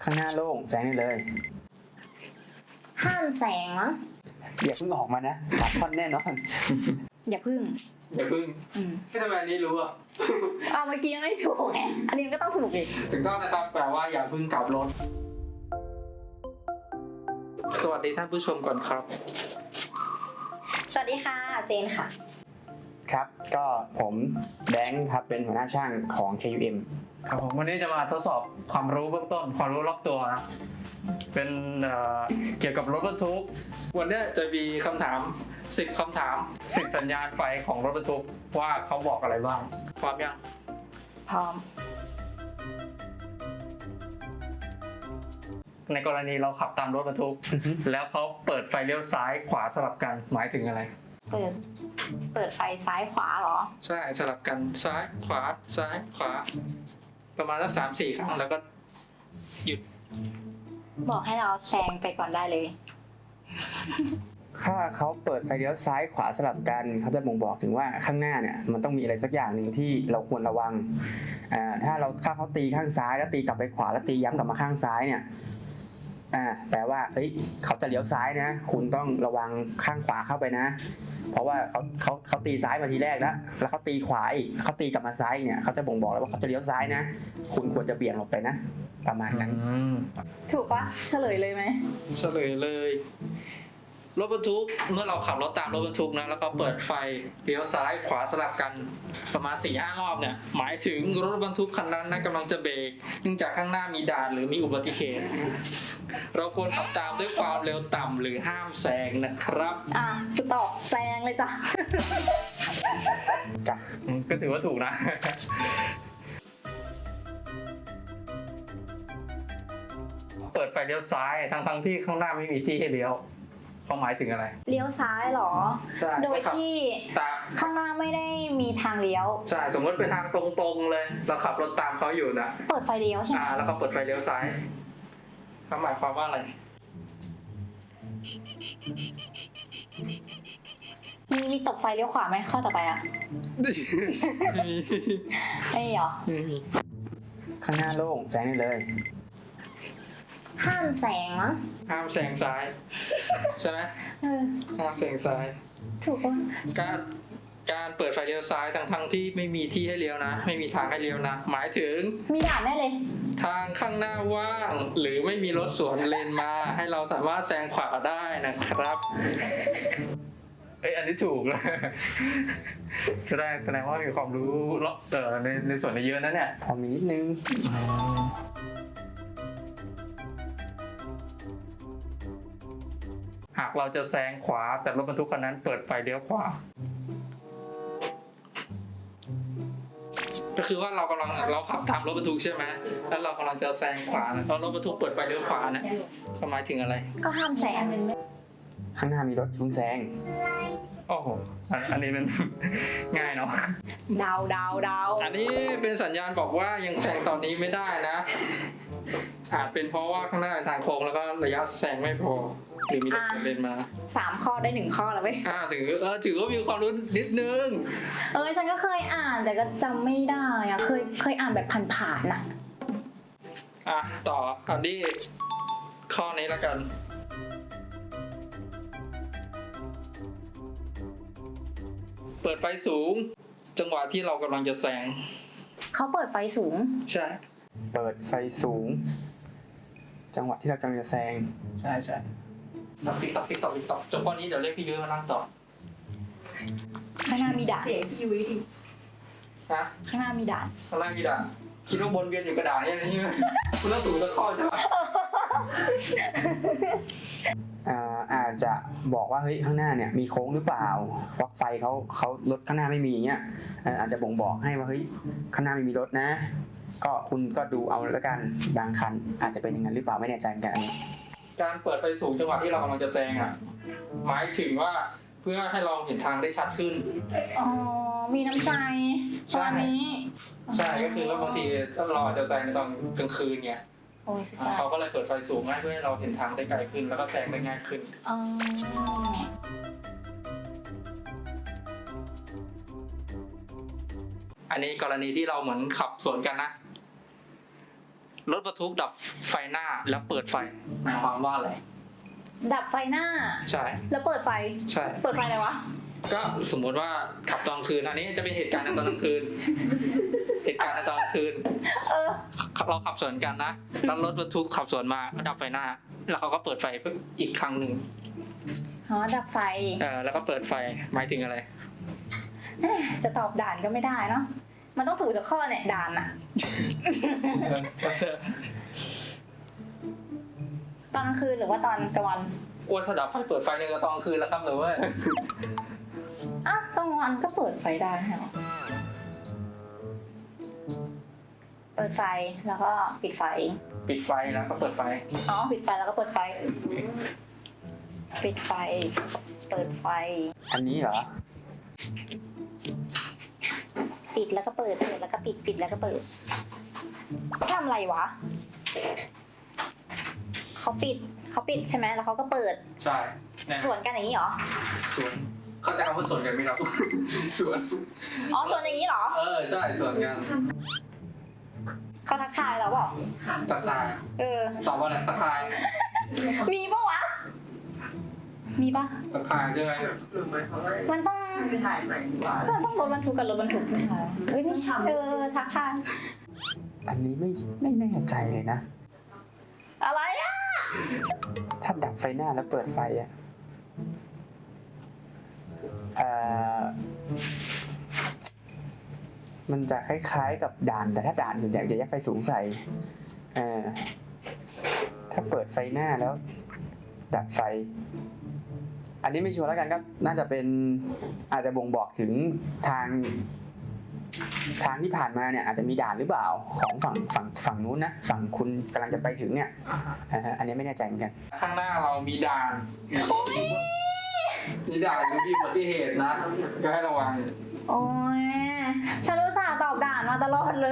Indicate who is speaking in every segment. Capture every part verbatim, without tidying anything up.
Speaker 1: ข้างหน้าโล่งแซงได้เลย
Speaker 2: ห้ามแซงมั้ง
Speaker 1: อย่าเพิ่งออกมานะตัดท่อนแน่นอน
Speaker 2: อย่าพึ่ง
Speaker 3: อย่าพึ่งให้ทำไมอันนี้รู้อ่ะ
Speaker 2: อ้าวเมื่อกี้ยังไม่ถูกไงอันนี้ก็ต้องถูกอีก
Speaker 3: ถึงต้องนะครับแปลว่าอย่าพึ่งกลับรถสวัสดีท่านผู้ชมก่อนครับ
Speaker 2: สวัสดีค่ะเจนค่ะ
Speaker 1: ครับก็ผมแบงค์ครับเป็นหัวหน้าช่างของ เค ยู เอ็ม
Speaker 3: ครับผมวันนี้จะมาทดสอบความรู้เบื้องต้นความรู้รอบตัวนะเป็นเอ่อเกี่ยวกับรถบรรทุกวันนี้จะมีคำถามสิบคำถามสิบสัญญาณไฟของรถบรรทุกว่าเขาบอกอะไรบ้างพร้อมยัง
Speaker 2: พร้อม
Speaker 3: ในกรณีเราขับตามรถบรรทุก แล้วเขาเปิดไฟเลี้ยวซ้ายขวาสลับกันหมายถึงอะไร
Speaker 2: เปิดเปิดไฟซ้ายขวาเหรอ
Speaker 3: ใช่สลับกันซ้ายขวาซ้ายขวาประมาณสักสามสี่ครั้งแล้วก็หยุด
Speaker 2: บอกให้เราแซงไปก่อนได้เลย
Speaker 1: ถ้าเขาเปิดไฟเลี้ยวซ้ายขวาสลับกันเขาจะบ่งบอกถึงว่าข้างหน้าเนี่ยมันต้องมีอะไรสักอย่างหนึ่งที่เราควรระวังอ่าถ้าเราถ้าเขาตีข้างซ้ายแล้วตีกลับไปขวาแล้วตีย้ำกลับมาข้างซ้ายเนี่ยอ่าแปลว่าเฮ้ยเขาจะเลี้ยวซ้ายนะคุณต้องระวังข้างขวาเข้าไปนะเพราะว่าเขาเขาเขาตีซ้ายมาทีแรกแล้วแล้วเขาตีขวาอีกเขาตีกลับมาซ้ายเนี่ยเขาจะบ่งบอกแล้วว่าเขาจะเลี้ยวซ้ายนะคุณควรจะเบี่ยงออกไปนะประมาณนั้น
Speaker 2: ถูกปะเฉลยเลยไหม
Speaker 3: เฉลยเลยรถบรรทุกเมื่อเราขับรถตามรถบรรทุกนะแล้วก็เปิดไฟเลี้ยวซ้ายขวาสลับกันประมาณ สี่ห้ารอบเนี่ยหมายถึงรถบรรทุกคันนั้นนะกำลังจะเบรกเนื่องจากข้างหน้ามีด่านหรือมีอุบัติเหตุเราควรขับตามด้วยความเร็วต่ำหรือห้ามแซงนะครับ
Speaker 2: อ่ะคือตอบแซงเลยจ้ะ
Speaker 1: จ้ะ
Speaker 3: ก็ถือว่าถูกนะเปิดไฟเลี้ยวซ้ายทั้งทั้งที่ข้างหน้าไม่มีที่ให้เลี้ยวเขาหมายถึงอะไร
Speaker 2: เลี้ยวซ้ายหรอ
Speaker 3: ใช่
Speaker 2: โดยที่ข้างหน้าไม่ได้มีทางเลี้ยว
Speaker 3: ใช่สมมติเป็นทางตรงๆเลยเราขับรถตามเขาอยู่นะ
Speaker 2: เปิดไฟเลี้ยวใช่ไหม
Speaker 3: อ่าแล้วเขาเปิดไฟเลี้ยวซ้ายเขาหมายความว่าอะไร
Speaker 2: มีมีตบไฟเลี้ยวขวาไหมข้อต่อไปอ่ะ
Speaker 3: ไม่
Speaker 2: ไม่เหรอ
Speaker 1: ข้างหน้าโล่งแซงได้เลย
Speaker 2: ห้ามแซงมั้ง
Speaker 3: ห้ามแซงซ้ายใช่ไหมห้ามแซงซ้าย
Speaker 2: ถูกป่ะ
Speaker 3: การการเปิดไฟเลี้ยวซ้ายทั้งทั้งที่ไม่มีที่ให้เลี้ยวนะไม่มีทางให้เลี้ยวนะหมายถึง
Speaker 2: มีด่านแน่เลย
Speaker 3: ทางข้างหน้าว่างหรือไม่มีรถสวนเลนมาให้เราสามารถแซงขวาได้นะครับเอ้ยอันนี้ถูกเลยแสดงแสดงว่ามีความรู้เออในในส่วนนี้เยอะนะเนี่ย
Speaker 1: พอมีนิดนึง
Speaker 3: หากเราจะแซงขวาแต่รถบรรทุกคันนั้นเปิดไฟเลี้ยวขวาก็คือว่าเรากำลังเราขับตามรถบรรทุกใช่ไหมแล้วเรากำลังจะแซงขวาแล้วรถบรรทุกเปิดไฟเลี้ยวขวาเนี่ยหมายถึงอะไร
Speaker 2: ก็ห้ามแซง
Speaker 1: ข้างหน้ามีรถคุณแซง
Speaker 3: โอ้โหอันนี้เป็นง่ายเนาะ
Speaker 2: ดาวดาวดาว
Speaker 3: อันนี้เป็นสัญญาณบอกว่ายังแซงตอนนี้ไม่ได้นะอาจเป็นเพราะว่าข้างหน้าเป็นทางโค้งแล้วก็ระยะแซงไม่พอหรือมีรถเลนมา
Speaker 2: สามข้อได้หนึ่งข้อแล้วเว้ย
Speaker 3: อ่าถือเออถือว่ามีความรู้นิดนึง
Speaker 2: เออฉันก็เคยอ่านแต่ก็จำไม่ได้อะเคยเคยอ่านแบบผ่านๆน่ะ
Speaker 3: อ่ะต่อกันที่ข้อนี้แล้วกันเปิดไฟสูงจังหวะที่เรากำลังจะแซง
Speaker 2: เขาเปิดไฟสูง
Speaker 3: ใช่
Speaker 1: เปิดไฟสูงจังหวะที่เรากำลังจะแซง
Speaker 3: ใช่ใช่ตอกติ๊กตอกติ๊กตอกติ๊กตอกจบข้อนี้เดี๋ยวเรียกพี่ยุ้ยมานั่งต่อ
Speaker 2: ข้างหน้ามีด่านเสียพี่ยุ้ย
Speaker 3: ฮะ
Speaker 2: ข้างหน้ามีด่าน
Speaker 3: ข้างหน้ามีด่านคิดว่าบนเวียนอยู่กระดาษเนี่ยนี่คุณต้องถูกตะข้อใช่ไหม
Speaker 1: อ่าอาจจะบอกว่าเฮ้ยข้างหน้าเนี่ยมีโค้งหรือเปล่าวักไฟเขาเขารถข้างหน้าไม่มีเงี้ยอาจจะบ่งบอกให้ว่าเฮ้ยข้างหน้าไม่มีรถนะก็คุณก็ดูเอาแล้วกันบางคันอาจจะเป็นอย่างนั้นหรือเปล่าไม่แน่ใจเหมือนกันอันนี้
Speaker 3: การเปิดไฟสูงจังหวะที่เรากำลังจะแซงอ่ะหมายถึงว่าเพื่อให้เราเห็นทางได้ชัดขึ้น
Speaker 2: อ๋อมีน้ำใจตอนนี้
Speaker 3: ใช่ก็คือว่าบางทีถ้าเราอาจจะแซงในตอนกลางคืนเงี้ยเขาก็เลยเปิดไฟสูงให้เพื่อให้เราเห็นทางได้ไกลขึ้นแล้วก็แซงได้ง่ายขึ้นอ๋ออันนี้กรณีที่เราเหมือนขับสวนกันนะรถบรรทุกดับไฟหน้าแล้วเปิดไฟหมายความว่าอะไร
Speaker 2: ดับไฟหน้า
Speaker 3: ใช่
Speaker 2: แล้วเปิดไฟ
Speaker 3: ใช่
Speaker 2: เปิดไฟอะไรวะ
Speaker 3: ก็สมมติว่าขับตอนกลางคืนอันนี้จะเป็นเหตุการณ์ในตอนกลางคืน เหตุการณ์ในตอนกลางคืน
Speaker 2: เออ
Speaker 3: เราขับสวนกันนะแล้วรถบรรทุกขับสวนมาดับไฟหน้า แล้วเขาก็เปิดไฟอีกครั้งหนึ่ง
Speaker 2: อ๋อ ดับไฟ
Speaker 3: เออแล้วก็เปิดไฟหมายถึงอะไร
Speaker 2: เอ๊ะจะตอบด่านก็ไม่ได้เนาะ มันต้องถูกจากข้อเนี่ยด่านอะตอนกลางคืนหรือว่าตอนกลางวัน
Speaker 3: อ้วนถ้าดับไฟเปิดไฟในกระตอนกลางคืนแล้วครับหนูว่า
Speaker 2: อ่ะกลางวันก็เปิดไฟได้เหรอ เปิดไฟแล้วก็ปิดไฟ
Speaker 3: ปิดไฟแล้วก็เปิดไฟ
Speaker 2: อ๋อ ปิดไฟแล้วก็เปิดไฟ ปิดไฟ เปิดไฟ
Speaker 1: อันนี้เหรอ
Speaker 2: ปิดแล้วก็เปิด เปิดแล้วก็ปิด ปิดแล้วก็เปิดทำอะไรวะ เขาปิด เขาปิดใช่ไหม แล้วเขาก็เปิด
Speaker 3: ใช่แน่
Speaker 2: สวนกันอย่างนี้เหรอ
Speaker 3: สวนเข้าใจคำว่าสวนกันไหมครับ สวน
Speaker 2: อ๋อสวนอย่างนี้เหรอ
Speaker 3: เออใช่สวนกัน
Speaker 2: เขาทักทายเราเปล่า
Speaker 3: ทักทาย
Speaker 2: เออ
Speaker 3: ตอบว่าอะไรทักทาย
Speaker 2: มีปะวะ มีปะ
Speaker 3: ทักทายใช่ไหม
Speaker 2: มันต้องมันต้องรถบรรทุกกับรถบรรทุกไม่ใช่เอ้ยไม่ใช่เออทักทาย
Speaker 1: อันนี้ไม่ไม่แน่ใจเลยนะ
Speaker 2: อะไรอ่ะ
Speaker 1: ถ้าดับไฟหน้าแล้วเปิดไฟอ่ะเอ่อมันจะคล้ายๆกับด่าน แต่ถ้าด่านส่วนใหญ่จะยัดไฟสูงใส่เอ่อถ้าเปิดไฟหน้าแล้ว ดับไฟ อันนี้ไม่ชัวร์แล้วกันก็น่าจะเป็นอาจจะบ่งบอกถึงทาง ทางที่ผ่านมาเนี่ยอาจจะมีด่านหรือเปล่าของฝั่งฝั่งฝั่งนู้นนะฝั่งคุณกำลังจะไปถึงเนี่ยอ่าฮะอันนี้ไม่แน่ใจเหมือนกัน
Speaker 3: ข้างหน้าเรามีด่านมีด่านหรือมีอุบัติเหตุนะก็ให้ระวัง
Speaker 2: โอ้ยฉันรู้สาห์ตอบด่านมาตลอดเลย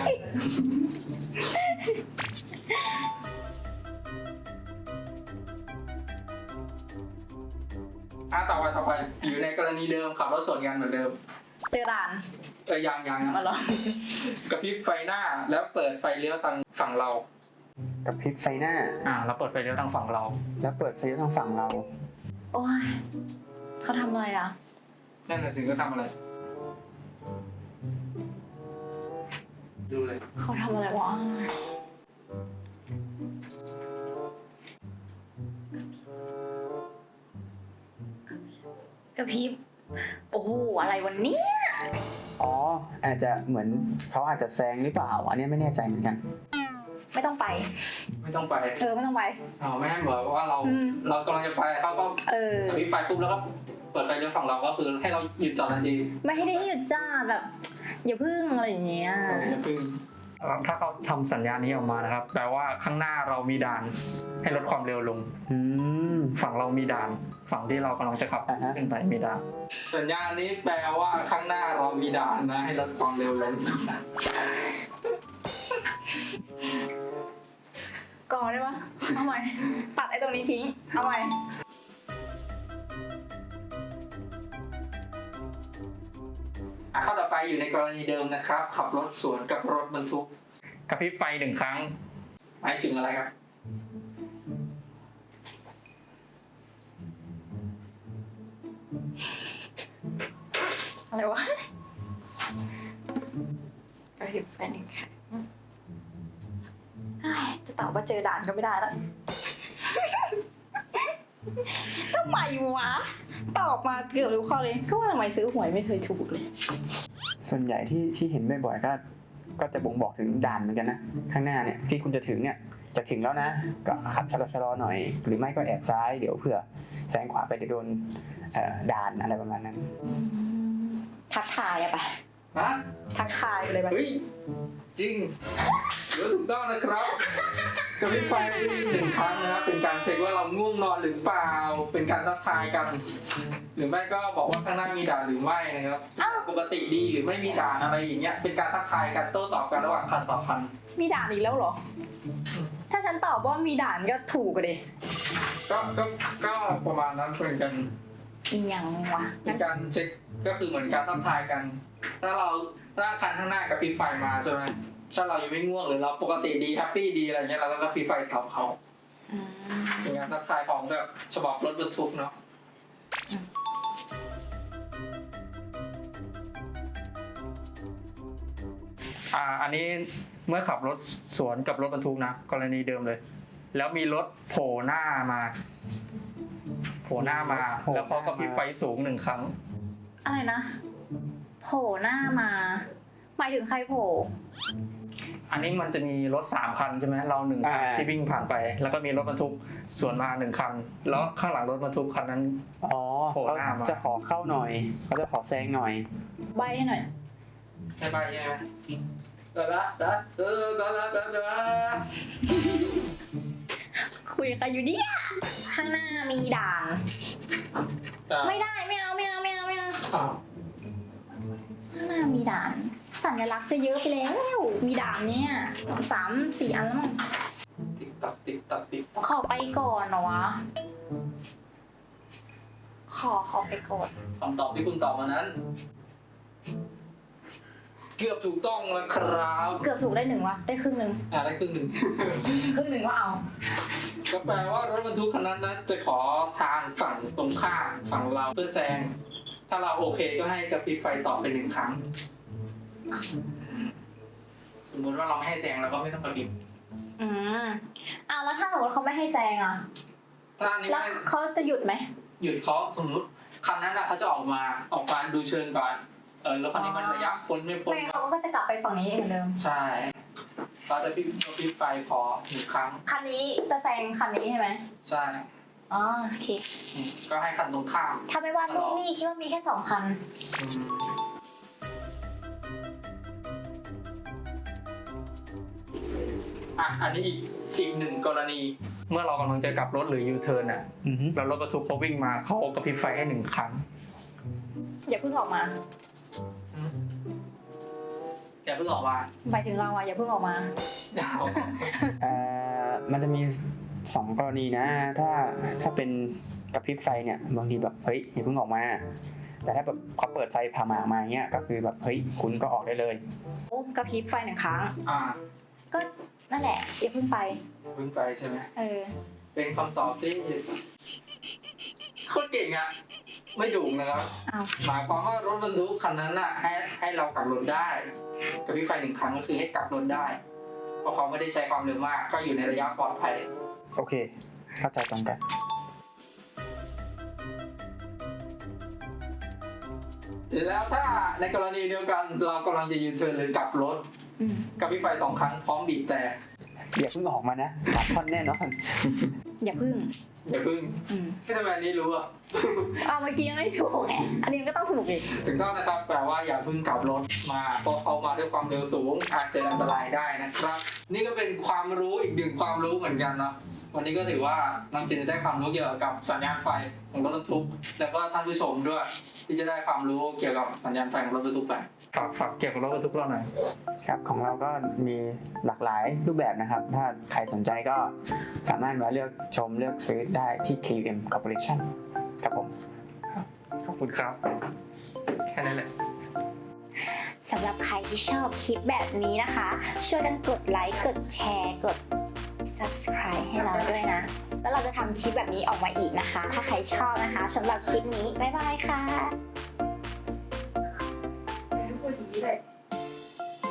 Speaker 3: อ่ะต่อไปต่อไปอยู่ในกรณีเดิมขับรถสวนกันเหมือนเดิม
Speaker 2: เจอด่าน
Speaker 3: เออยังยัง
Speaker 2: มาหรอก
Speaker 3: ระพริบไฟหน้าแล้วเปิดไฟเลี้ยวทางฝั่งเรา
Speaker 1: กับพริบไฟหน้า
Speaker 3: อ่าเราเปิดไฟเลี้ยวทางฝั่งเรา
Speaker 1: แล้วเปิดไฟทางฝั่งเรา
Speaker 2: โอ้ยเขาทำอะไรอ่ะ
Speaker 3: นั่นน่ะสิก็ทำอะไร ดูเลย
Speaker 2: เขาทำอะไรวะ กระพริบ โอ้โห อะไรวันนี้
Speaker 1: อ๋ออาจจะเหมือนเขาอาจจะแซงหรือเปล่า อันนี้ไม่แน่ใจเหมือนกัน
Speaker 2: ไม่ต้องไป
Speaker 3: ไม่ต้องไป
Speaker 2: เออ ไม่ต้องไป
Speaker 3: อ๋อไม่ให้บอกว่าเรา
Speaker 2: อืม
Speaker 3: เรากำลังจะไปเขาก็
Speaker 2: เออ
Speaker 3: กระพริบไฟปุ๊บแล้วก็เปิดไฟเลี้ยวฝั่งเราก็คือให้เราหยุดจอดทันที
Speaker 2: ไม่ให้ได้หยุดจ้าแบบ อย่าพึ่งอะไรอย่างเงี้ย
Speaker 3: อย่าพึ่งถ้าเขาทำสัญญาณนี้ออกมานะครับแปลว่าข้างหน้าเรามีด่านให้ลดความเร็วลง
Speaker 1: อืม
Speaker 3: ฝั่งเรามีด่าน ฝั่งที่เรากำลังจะขับ
Speaker 1: อ่าฮะ
Speaker 3: ขึ้นไปมีด่าน สัญญาณนี้แปลว่าข้างหน้าเรามีด่านนะให้ลดความเร็วลง
Speaker 2: ก่อนได้ปะเอาใหม่ ตัดไอ้ตรงนี้ทิ้ง เอาใหม่
Speaker 3: อ่ะข้อต่อไปอยู่ในกรณีเดิมนะครับ ขับรถสวนกับรถบรรทุกกระพริบไฟหนึ่งครั้งหมายถึงอะไรครับ
Speaker 2: อะไรวะกระพริบไฟหนึ่งครั้งเฮ้ยจะตอบว่าเจอด่านก็ไม่ได้แล้ว ทำไมวะ ตอบมาเกือบทุกข้อเลย ก็ว่าทำไมซื้อหวยไม่เคยถูกเลย
Speaker 1: ส่วนใหญ่ที่ที่เห็นบ่อยๆก็ก็จะบ่งบอกถึงด่านเหมือนกันนะ ข้างหน้าเนี่ยที่คุณจะถึงเนี่ยจะถึงแล้วนะ ก็ขับชะลอๆหน่อย หรือไม่ก็แอบซ้ายเดี๋ยวเผื่อแซงขวาไปเดี๋ยวโดนเอ่อด่านอะไรประมาณนั้น
Speaker 2: ทักทายอะไป
Speaker 3: ฮะ
Speaker 2: ทักทายไปเลยไป
Speaker 3: เฮ้ย จริงหรือถูกต้องนะครับกระพริบไฟหนึ่งครั้งนะครับเป็นการเช็คว่าเราง่วงนอนหรือเปล่าเป็นการทักทายกัน หรือไม่ก็บอกว่าข้างหน้ามีด่านหรือไม่นะครับปกติดีหรือไม่มีด่านอะไรอย่างเงี้ยเป็นการทักทายกันโต้ตอบกันระหว่างคันต่อคัน
Speaker 2: มีด่านอีกแล้วเหรอ ถ้าฉันตอบว่ามีด่านก็ถูกกันดิ
Speaker 3: ก็ก็ก็ประมาณนั้นเหมือนกัน
Speaker 2: อีหยังวะ
Speaker 3: เป็นการเช็คก็คือเหมือนการทักทายกัน ถ้าเราถ้าคันข้างหน้ากระพริบไฟมาใช่ไหมถ้าเรายังไม่ง่วงหรือเราปกติดีแฮปปี้ดีอะไรเงี้ยเราก็กระพริบไฟตอบเขา
Speaker 2: อืม
Speaker 3: เป็นงานทักทายของแบบฉบับรถบรรทุกเนาะอ่าอันนี้เมื่อขับรถสวนกับรถบรรทุกนะกรณีเดิมเลย แล้วมีรถโผล่หน้ามาโผล่หน้ามาแล้วเขาก็พริบไฟสูงหนึ่งครั้ง
Speaker 2: อะไรนะโผล่หน้ามาหมายถึงใครโผล่
Speaker 3: อันนี้มันจะมีรถสามคันใช่ไหมเราหนึ่งคันที่วิ่งผ่านไป แล้วก็มีรถบรรทุกสวนมาหนึ่งคัน แล้วข้างหลังรถบรรทุกคันนั้น
Speaker 1: อ๋อ
Speaker 3: โผล่
Speaker 1: เขา
Speaker 3: หน้ามา
Speaker 1: จะขอเข้าหน่อยเขาจะขอแซงหน่อย
Speaker 2: ใบให้หน่อย
Speaker 3: ใช่ไปใช่ไหมเดาเดาเดาเดาเดาเดาเดา
Speaker 2: คุยกับใครอยู่เนี่ยข้างหน้ามีด่าน ไม่ได้ไม่เอาไม่เอาไม่เอาไม่เอา
Speaker 3: อ้าว
Speaker 2: ข้างหน้ามีด่าน สัญลักษณ์จะเยอะไปแล้ว มีด่านเนี่ยสามสี่อันแล้วมั้ง
Speaker 3: ติ๊กตักติ๊กตักติ๊กตัก
Speaker 2: ขอไปก่อนเหรอวะ ขอขอไปก่อน
Speaker 3: คำตอบที่คุณตอบมานั้น เกือบถูกต้องแล้วครับ
Speaker 2: เกือบถูกได้หนึ่งวะ ได้ครึ่งหนึ่ง
Speaker 3: อ่าได้ครึ่งหนึ่ง
Speaker 2: ครึ่งหนึ่งก็เอา
Speaker 3: ก็แปลว่ารถบรรทุกคันนั้นนะจะขอทางฝั่งตรงข้ามฝั่งเราเพื่อแซง ถ้าเราโอเคก็ให้กระพริบไฟต่อไปหนึ่งครั้ง สมมติว่าเราไม่ให้แซงเราก็ไม่ต้องกระพริบ
Speaker 2: อืมอ้าวแล้วถ้าสมมติเขาไม่ให้แซงอ่ะ
Speaker 3: ถ้าอันนี้
Speaker 2: แล้ว
Speaker 3: ไม่
Speaker 2: เขาจะหยุดไหม
Speaker 3: หยุดเขาสมมติคันนั้นนะเขาจะออกมาออกมาดูเชิงก่อน เออแล้วคันนี้มันระยะพ้นไม่พ้น
Speaker 2: ไม่เขาก็จะกลับไปฝั่งนี้เหมือนเดิม
Speaker 3: ใช่เราจะพิบกระพริบไฟขอหนึ่งครั้ง
Speaker 2: คันนี้จะแซงคันนี้ใช่ไหม
Speaker 3: ใช่
Speaker 2: อ๋อโอเค
Speaker 3: อืมก็ให้คันตรงข้าม
Speaker 2: ถ้าไม่วาดรูปนี่คิดว่ามีแค่สองคัน
Speaker 3: อืมอ่ะอันนี้อีกอีกหนึ่งกรณี เมื่อเรากำลังจะกลับรถหรือยูเทิร์นอ่ะ
Speaker 1: อือฮึ
Speaker 3: แล้วรถบรรทุกเขาวิ่งมาเขากระพริบไฟให้หนึ่งครั้ง
Speaker 2: อย่าเพิ่งออกมา
Speaker 3: อย่าเพิ่งออกมา
Speaker 2: หมายถึงเราอะอย่าเพิ่งออกมา
Speaker 3: เดี๋ยว
Speaker 1: เอ่อมันจะมีสองกรณีนะ ถ้าถ้าเป็นกระพริบไฟเนี่ยบางทีแบบเฮ้ยอย่าเพิ่งออกมา แต่ถ้าแบบเขาเปิดไฟผ่าหมากมาเงี้ยก็คือแบบเฮ้ยคุณก็ออกได้เลย
Speaker 2: โอ้กระพริบไฟหนึ่งครั้ง
Speaker 3: อ่า
Speaker 2: ก็นั่นแหละ อย่าเพิ่งไป
Speaker 3: เพิ่งไปใช่ไหม
Speaker 2: เออ
Speaker 3: เป็นคำตอบที่โคตรเก่งอ่ะ ไม่ถูกนะครับ
Speaker 2: เอา
Speaker 3: หมายความว่ารถบรรทุกคันนั้นน่ะให้ให้เรากลับรถได้กระพริบไฟหนึ่งครั้งก็คือให้กลับรถได้ เพราะเขาไม่ได้ใช้ความเร็วมาก ก็อยู่ในระยะปลอดภัย
Speaker 1: โอเค เข้าใจตรงกัน
Speaker 3: แล้วถ้าในกรณีเดียวกันเรากำลังจะยูเทิร์นหรือกลับรถ
Speaker 2: อืม
Speaker 3: กระพริบไฟสองครั้งพร้อมบีบแต่
Speaker 1: อย่าเพิ่งออกมานะตัดท่อนแน่นอน
Speaker 2: อย่าเพิ่ง
Speaker 3: อย่าเพึ่ง
Speaker 2: อืม
Speaker 3: ที่ทำไมอันนี้รู้อ่ะ
Speaker 2: อ้าวเมื่อกี้ยังไม่ถูกไง อันนี้ก็ต้องถูกอีก
Speaker 3: ถึงต้องนะครับแปลว่าอย่าเพึ่งกลับรถมาเพราะเขามาด้วยความเร็วสูงอาจจะอันตรายได้นะครับ นี่ก็เป็นความรู้อีกหนึ่งความรู้เหมือนกันเนาะวันนี้ก็ถือว่าน้องจินจะได้ความรู้เกี่ยวกับสัญญาณไฟของรถบรรทุกแล้วก็ท่านผู้ชมด้วย ที่จะได้ความรู้เกี่ยวกับสัญญาณไฟของรถบรรทุกไปฝากฝากเกี่ยวกับรถบรรทุกเราหน่อย
Speaker 1: ครับของเราก็มีหลากหลายรูปแบบนะครับ ถ้าใครสนใจก็สามารถมาเลือกชมเลือกซื้อได้ที่ เค ยู เอ็ม Corporation ครับผม
Speaker 3: ขอบคุณครับ แค่นั้นแหละ
Speaker 2: สำหรับใครที่ชอบคลิปแบบนี้นะคะ ช่วยกันกดไลค์ กดแชร์ กด subscribe ให้เราด้วยนะ แล้วเราจะทำคลิปแบบนี้ออกมาอีกนะคะ ถ้าใครชอบนะคะสำหรับคลิปนี้ บ๊ายบายค่ะ